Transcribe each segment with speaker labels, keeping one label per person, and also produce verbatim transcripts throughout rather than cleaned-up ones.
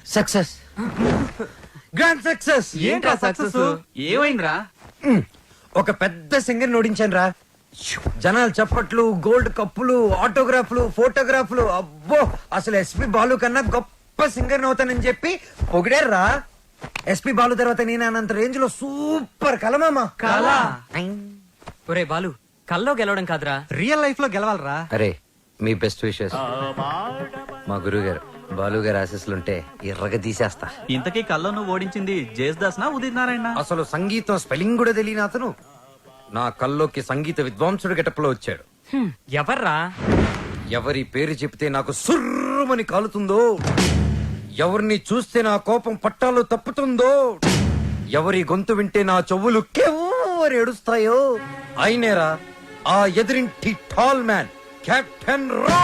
Speaker 1: Success, grand success.
Speaker 2: ఏంట్రా success? ఏమైందిరా?
Speaker 1: ఒక పెద్ద సింగర్ ఓడించాను రా. జనాలు చప్పట్లు, గోల్డ్ కప్పులు, ఆటోగ్రాఫ్లు, ఫోటోగ్రాఫ్లు. అబ్బో, అసలు ఎస్పి బాలు కన్నా గొప్ప సింగర్ అవుతానని చెప్పి పొగిడారా. ఎస్పి బాలు తర్వాత నేను అనంత రేంజ్ లో సూపర్ కలమామా.
Speaker 2: కలా? ఒరే బాలు, కల్లో గెలవడం కాదురా,
Speaker 3: రియల్ లైఫ్ లో గెలవాలరా.
Speaker 1: అరే, మీ బెస్ట్ విషెస్. మా గురువు గారు బాలు గారు ఆశీస్సులుంటే ఎర్రగా తీసేస్తా.
Speaker 3: ఇంతకీ కల్లో నువ్వు ఓడించింది జేస్దాస్ నా ఉదిత్ నారాయణ?
Speaker 1: అసలు సంగీతం స్పెల్లింగ్ కూడా తెలియని అతను నా కల్లోకి సంగీత విద్వాంసుడు గెటప్లో వచ్చాడు.
Speaker 2: ఎవర్రా?
Speaker 1: ఎవరి పేరు చెప్తే నాకు సుర్రుమని కాలుతుందో, ఎవరిని చూస్తే నా కోపం పట్టాలు తప్పుతుందో, ఎవరి గొంతు వింటే నా చెవులు కెవ్వరు ఏడుస్తాయో అయినేరా ఆ ఎదిరింటి టాల్ మ్యాన్ కెప్టెన్ రా.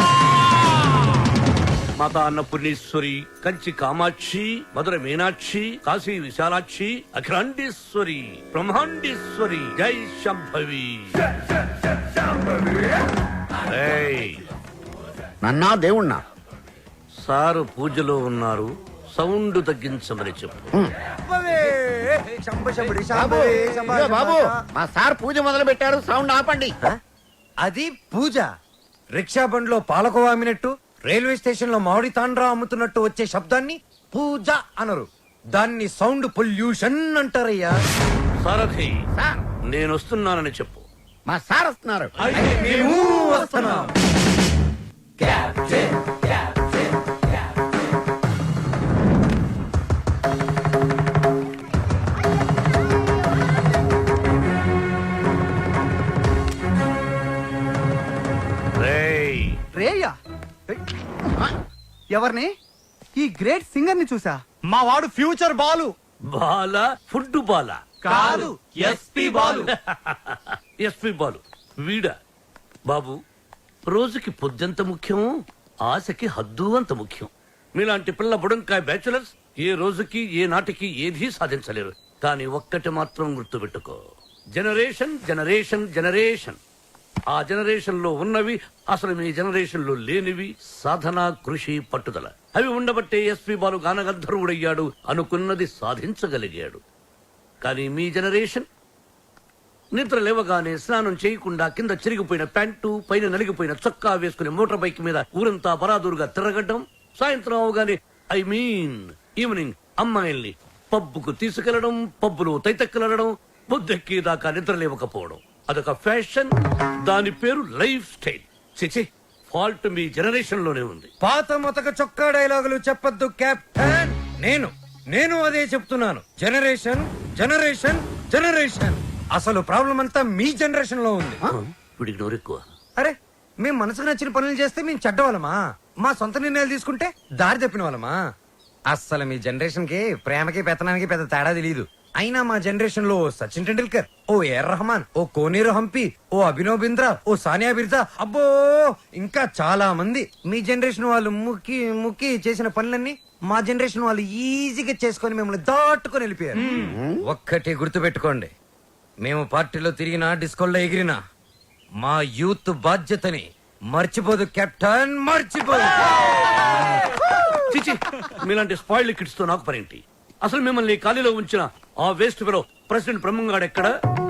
Speaker 4: మాతా అన్నపూర్ణేశ్వరి, కంచి కామాక్షి, మధుర మీనాక్షి, కాశీ విశాలాక్షి, అఖిలాండేశ్వరి, బ్రహ్మాండేశ్వరి, జై శంభవి. ఏయ్,
Speaker 5: నన్నా దేవుణ్ణా?
Speaker 4: సారు పూజలో ఉన్నారు, సౌండ్ తగ్గించమని చెప్పు.
Speaker 5: బాబు, ఇదిగో బాబు, మా సార్ పూజ మొదలు పెట్టారు, సౌండ్ ఆపండి.
Speaker 1: అది పూజ. రిక్షా బండ్లో పాలకోవా అమ్మినట్టు, రైల్వే స్టేషన్ లో మామిడి తాండ్రా అమ్ముతున్నట్టు వచ్చే శబ్దాన్ని పూజ అనరు, దాన్ని సౌండ్ పొల్యూషన్ అంటారయ్యా.
Speaker 4: సారథి,
Speaker 5: సార్,
Speaker 4: నేను వస్తున్నానని చెప్పు.
Speaker 5: మా సార్ వస్తున్నారు.
Speaker 1: మేము వస్తున్నాం.
Speaker 4: రేయ్,
Speaker 3: రేయ్యా? ఎవరిని? ఈ గ్రేట్ సింగర్ ని చూసా. మా వాడు ఫ్యూచర్ బాలు.
Speaker 4: బాల ఫుడ్ బాల
Speaker 3: కాదు, ఎస్పి బాలు.
Speaker 4: ఎస్పి బాలు వీడా? బాబు, రోజుకి పొద్దెంత ముఖ్యం, ఆశకి హద్దు అంత ముఖ్యం. మీలాంటి పిల్ల బుడంకాయ బ్యాచులర్స్ ఏ రోజుకి ఏ నాటికి ఏదీ సాధించలేరు. కానీ ఒక్కటి మాత్రం గుర్తుపెట్టుకో, జనరేషన్ జనరేషన్ జనరేషన్. ఆ జనరేషన్ లో ఉన్నవి అసలు మీ జనరేషన్ లో లేనివి సాధన, కృషి, పట్టుదల. అవి ఉండబట్టే ఎస్పి బాలు గానగంధర్వుడయ్యాడు, అనుకున్నది సాధించగలిగాడు. కానీ మీ జనరేషన్ నిద్ర లేవగానే స్నానం చేయకుండా కింద చిరిగిపోయిన ప్యాంటు, పైన నలిగిపోయిన చొక్కా వేసుకుని మోటార్ బైక్ మీద ఊరంతా బరాదూరుగా తిరగడం, సాయంత్రం అవగానే ఐ మీన్ ఈవినింగ్ అమ్మాయిల్ని పబ్బుకు తీసుకెళ్లడం, పబ్బులో తైతెక్కలడం, బుద్ధెక్కి దాకా నిద్ర లేవకపోవడం. అదొక ఫ్యాషన్, దాని పేరు లైఫ్ స్టైల్. చిచి, ఫాల్ట్ మీ జనరేషన్ లోనే ఉంది.
Speaker 1: పాత మొతక చొక్కా డైలాగులు చెప్పొద్దు కెప్టెన్. నేను నేను అదే చెప్తున్నాను. Generation generation generation. అసలు ప్రాబ్లం అంతా మీ జనరేషన్ లో ఉంది.
Speaker 4: వీడికి నోరెక్కువ.
Speaker 1: అరే, మేము మనసుకు నచ్చిన పనులు చేస్తే మేము చెడ్డవాళ్ళమా? మా సొంత నిర్ణయాలు తీసుకుంటే దారి తప్పిన వాళ్ళమా? అస్సలు మీ జనరేషన్ కి ప్రేమకి పెత్తనానికి పెద్ద తేడా తెలియదు. అయినా మా జనరేషన్ లో సచిన్ టెండూల్కర్, ఓ ఏఆర్ రెహమాన్, ఓ కోనేరు హంపి, ఓ అభినవ్ బింద్రా, ఓ సానియా బిర్జా, అబ్బో ఇంకా చాలా మంది. మీ జనరేషన్ వాళ్ళు ముక్కి ముక్కి చేసిన పనులన్నీ మా జనరేషన్ వాళ్ళు ఈజీగా చేసుకొని మిమ్మల్ని దాటుకొని వెళ్ళిపోయారు. ఒక్కటి గుర్తు పెట్టుకోండి, మేము పార్టీలో తిరిగినా, డిస్కోల్లో ఎగిరినా మా యూత్ బాధ్యతని మర్చిపోదు కెప్టెన్, మర్చిపోదు.
Speaker 4: చిచి, మీలాంటి స్పాయిల్ కిడ్స్ తో నాకు పనేంటి? అసలు మిమ్మల్ని ఖాళీలో ఉంచిన ఆ వేస్ట్ ఫెలో ప్రెసిడెంట్ బ్రహ్మంగాడు ఎక్కడ?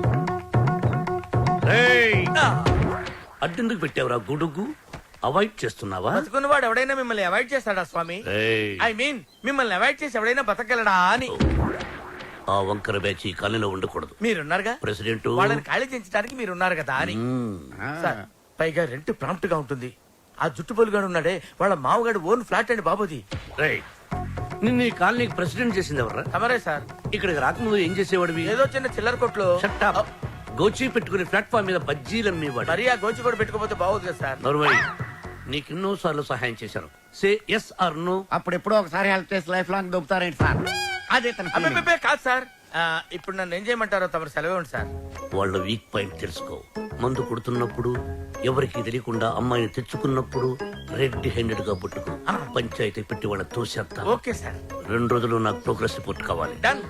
Speaker 4: అడ్డెందుకు పెట్టావురా గొడుగు? అవాయిడ్ చేస్తున్నావా?
Speaker 6: బతుకున్నవాడు ఎవడైనా మిమ్మల్ని అవాయిడ్ చేస్తాడా స్వామి?
Speaker 4: ఏయ్,
Speaker 6: ఐ మీన్ మిమ్మల్ని అవాయిడ్ చేసి ఎవడైనా బతకగలడా అని.
Speaker 4: ఆ వంకర బ్యాచ్ ఈ ఖాళీలో ఉండకూడదు.
Speaker 6: మీరున్నారుగా
Speaker 4: ప్రెసిడెంట్,
Speaker 6: వాళ్ళని ఖాళీ చేయించడానికి మీరున్నారు కదా అని. సార్, పైగా రెంట్ ప్రాంప్ట్ గా ఉంటుంది. ఆ జుట్టు పొలుగాడు ఉన్నాడే, వాళ్ళ మామగాడు ఓన్ ఫ్లాట్ అండి బాబుది.
Speaker 4: రేయ్, నిన్ను ఈ కాలనీకి ప్రెసిడెంట్ చేసింది ఎవర్రా?
Speaker 6: తమరే సార్.
Speaker 4: ఇక్కడికి రాకముందు ఏం చేసేవాడివి?
Speaker 6: ఏదో చిన్న చిల్లర కొట్లో.
Speaker 4: Shut up. గోచి పెట్టుకుని ప్లాట్ఫామ్ మీద బజ్జీలు అమ్మేవాడు.
Speaker 6: మరి ఆ గోచి కూడా పెట్టుకోపోతే బాగోదు కదా సార్.
Speaker 4: నర్వై, నీకు ఎన్నో సార్లు సహాయం చేశాను. Say yes or no.
Speaker 5: అప్పుడు ఎప్పుడో ఒకసారి హెల్ప్ చేసి లైఫ్ లాంగ్ దొబ్బుతారేంటి సార్? అదే తన feeling.
Speaker 6: అబ్బే కాదు సార్. ఆ, ఇప్పుడు నన్ను ఏం చేయమంటారో తమరు సెలవు ఉంది సార్.
Speaker 4: వాళ్ళ వీక్ పాయింట్ తెలుసుకో. మందు కొడుతున్నప్పుడు, ఎవరికి తెలియకుండా అమ్మాయిని తెచ్చుకున్నప్పుడు రెడ్ హ్యాండెడ్ గా పుట్టుకు పంచాయతీ పెట్టి వాళ్ళ తోసేస్తా.
Speaker 6: Okay sir.
Speaker 4: రెండు రోజులు నాకు ప్రోగ్రెస్ రిపోర్ట్ కావాలి.
Speaker 6: డన్.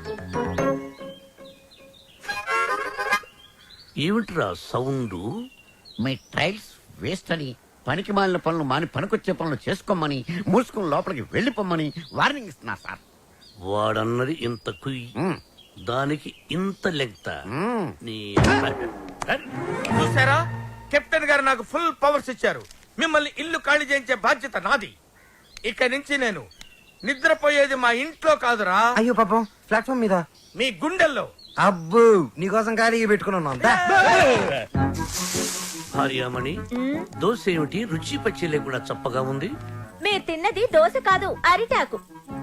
Speaker 4: ఏమిట్రా సౌండ్?
Speaker 5: మీ ట్రైల్స్ వేస్ట్ అని పనికి మాలిన పనులు మాని పనికొచ్చే పనులు చేసుకోమని మూసుకుని లోపలికి వెళ్ళిపోమ్మని వార్నింగ్ ఇస్తున్నా సార్.
Speaker 4: వాడన్నది ఇంత కుయ్యి,
Speaker 5: మ్మ్.
Speaker 4: దానికి ఇంత లెంగ్త.
Speaker 5: మ్మ్.
Speaker 4: నీ
Speaker 6: చూసారా, కెప్టెన్ గారు నాకు ఫుల్ పవర్స్ ఇచ్చారు. మిమ్మల్ని ఇల్లు ఖాళీ చేయించే బాధ్యత నాది. ఇక నుంచి నేను నిద్రపోయేది మా ఇంట్లో కాదురా,
Speaker 1: అయ్యో పాపం ప్లాట్ఫామ్ మీద.
Speaker 6: మీ గుండెల్లో.
Speaker 1: అబ్బు నీకోసం ఖాళీగా పెట్టుకుని ఉన్నాం దా.
Speaker 4: భార్యామణి, దోశ ఏమిటి రుచి పచ్చి లేకుండా చప్పగా ఉంది?
Speaker 7: మీరు తిన్నది దోశ కాదు, అరిటాకు.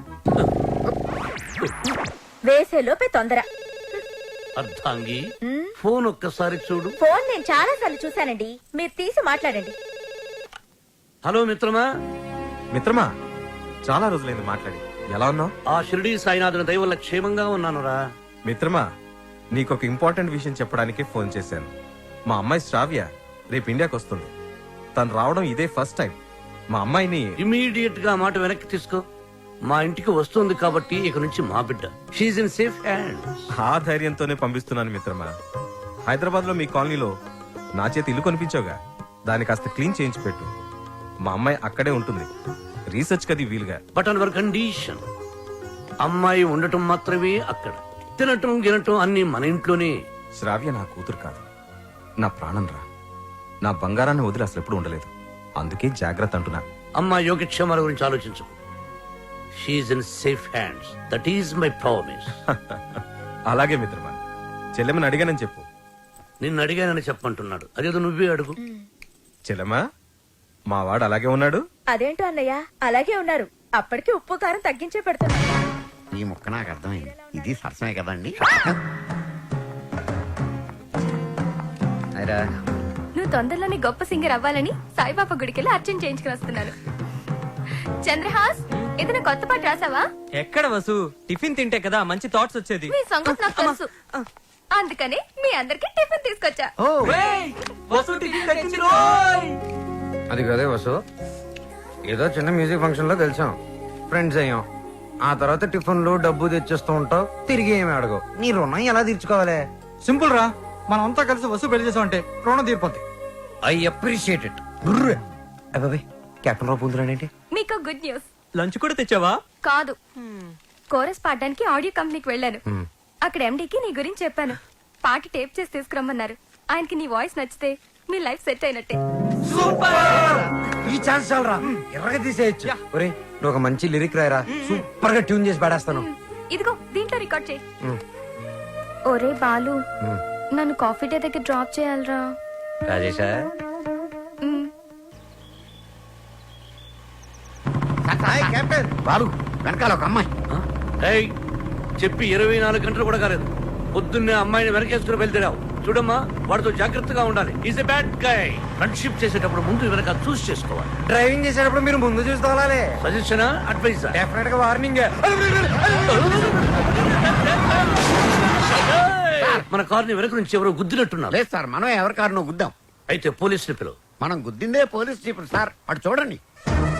Speaker 7: వేసేలోపే తొందర.
Speaker 4: అర్థాంగి,
Speaker 7: మ్మ్.
Speaker 4: ఫోన్ ఒక్కసారి చూడు.
Speaker 7: ఫోన్ నేను చాలా సార్లు చూశానండి, మీరు తీసి మాట్లాడండి.
Speaker 4: హలో మిత్రమా.
Speaker 8: మిత్రమా, చాలా రోజులైంది మాట్లాడి. ఎలా ఉన్నావు?
Speaker 4: ఆ షిరిడి సాయినాథుని దయ వల్ల క్షేమంగా ఉన్నానురా.
Speaker 8: మిత్రమా, నీకు ఒక ఇంపార్టెంట్ విషయం చెప్పడానికి ఫోన్ చేశాను. మా అమ్మాయి శ్రావ్య రేపు ఇండియాకి వస్తుంది. తను రావడం ఇదే ఫస్ట్ టైం. మా అమ్మాయిని
Speaker 4: ఇమీడియట్ గా ఆ మాట వెనక్కి తీసుకో. మా ఇంటికి వస్తుంది కాబట్టి ఇక నుంచి మా బిడ్డ. She's in safe hand.
Speaker 8: ఆ ధైర్యంతోనే పంపిస్తున్నాను మిత్రమా. హైదరాబాద్ లో మీ కాలనీలో నా చేతి ఇల్లు కొనిపించావుగా, దాన్ని కాస్త క్లీన్ చేయించి పెట్టు. మా అమ్మాయి అక్కడే ఉంటుంది, రీసెర్చ్ కది వీలుగా.
Speaker 4: బట్ అన్ కండిషన్, అమ్మాయి ఉండటం మాత్రమే అక్కడ, తినటం గినటం అన్ని మన ఇంట్లోనే.
Speaker 8: శ్రావ్య నా కూతురు కాదు, నా ప్రాణం రా. నా బంగారాన్ని వదిలి అసలు ఎప్పుడు ఉండలేదు. అందుకే జాగ్రత్త అంటున్నా.
Speaker 4: అమ్మాయి యోగక్షేమాల గురించి ఆలోచించు. She's in safe hands. That is my promise.
Speaker 8: అలాగే మిత్రమా. చెల్లెమని అడిగానని చెప్పు.
Speaker 4: నిన్ను అడిగానని చెప్పంటున్నాడు. అదేదో నువ్వే అడుగు.
Speaker 8: చెల్లెమా, మా వాడు అలాగే ఉన్నాడు.
Speaker 7: అదేంటో అన్నయ్య, అలాగే ఉన్నారు. అప్పటికి ఉప్పు కారం తగ్గించే పెడుతున్నా.
Speaker 5: ఈ ముక్క నాకు అర్థమైంది. ఇది సరసమే కదండి.
Speaker 1: అయిరా
Speaker 9: నువ్వు తొందరలోనే గొప్ప సింగర్ అవ్వాలని సాయిబాబా గుడికెళ్ళి అర్చన చేయించుకుని వస్తున్నాను. చంద్రహాస్, ఏదైనా కొత్త పాట రాసావా?
Speaker 2: ఎక్కడ వసు, టిఫిన్ తింటే కదా మంచి థాట్స్ వచ్చేది.
Speaker 9: మీ సంగతి నాకు తెలుసు, అందుకనే మీ అందరికి టిఫిన్ తీసుకొచ్చా.
Speaker 2: వసు టిఫిన్ తెచ్చింది రోయ్.
Speaker 1: అది కదే వసు, ఏదో చిన్న మ్యూజిక్ ఫంక్షన్ లో కలిసాం, ఫ్రెండ్స్ అయ్యాం. ఆ తర్వాత టిఫిన్లు డబ్బు తెచ్చేస్తూ ఉంటావు, తిరిగి ఏమి అడగవు. నీ రుణం ఎలా తీర్చుకోవాలి?
Speaker 3: సింపుల్ రా, మనం అంతా కలిసి వస్తు పెళ్లి చేసామంటే రుణం తీరిపోద్ది.
Speaker 1: I appreciate it. అబ్బాయి కెప్టెన్ రావు పొందురాడేంటి?
Speaker 9: మీకు గుడ్ న్యూస్.
Speaker 2: లంచ్ కూడా తెచ్చావా?
Speaker 9: కాదు, కోరస్ పాడడానికి ఆడియో కంపెనీకి వెళ్ళాను. అక్కడ ఎండీకి నీ గురించి చెప్పాను. పాట టేప్ చేసి తీసుకురమ్మన్నారు. ఆయనకి నీ వాయిస్ నచ్చితే మీ లైఫ్ సెట్ అయినట్టే.
Speaker 1: ఈ ఛాన్స్ చాలరా, ఎర్రగా తీసేయచ్చు. ఒరే నువ్వు ఒక మంచి లిరిక్ రాయరా, సూపర్ గా ట్యూన్ చేసి పాడేస్తాను.
Speaker 9: ఇదిగో దీంట్లో రికార్డ్ చేయి. ఒరే బాలు, నన్ను కాఫీ డే దగ్గర డ్రాప్ చేయాలరా.
Speaker 1: రాజేశా
Speaker 9: మ్.
Speaker 1: కెప్టెన్.
Speaker 5: బాబు, వెనకాల ఒక అమ్మాయి.
Speaker 4: ఏయ్, చెప్పి ఇరవై నాలుగు గంటలు కూడా కాలేదు, పొద్దున్నే అమ్మాయిని వెనకేసుకుని వెళ్తున్నావు. చూడమ్మా, వాడితో జాగ్రత్తగా ఉండాలి. Is a bad guy. Friendship చేసేటప్పుడు ముందు వెనక చూస్ చేసుకోవాలి.
Speaker 1: డ్రైవింగ్ చేసేటప్పుడు మీరు ముందు చూసి తోలాలి.
Speaker 4: సజెషనా, అడ్వైజా?
Speaker 1: డెఫినెట్ గా వార్నింగ్.
Speaker 4: మన కార్ని వెనక నుంచి ఎవరో గుద్దినట్టున్నారు.
Speaker 5: లేదు సార్, మనం ఎవరి కారునో గుద్దాం.
Speaker 4: అయితే పోలీసులు పిలువు.
Speaker 5: మనం గుద్దిందే పోలీస్ జీపులు సార్, అటు చూడండి.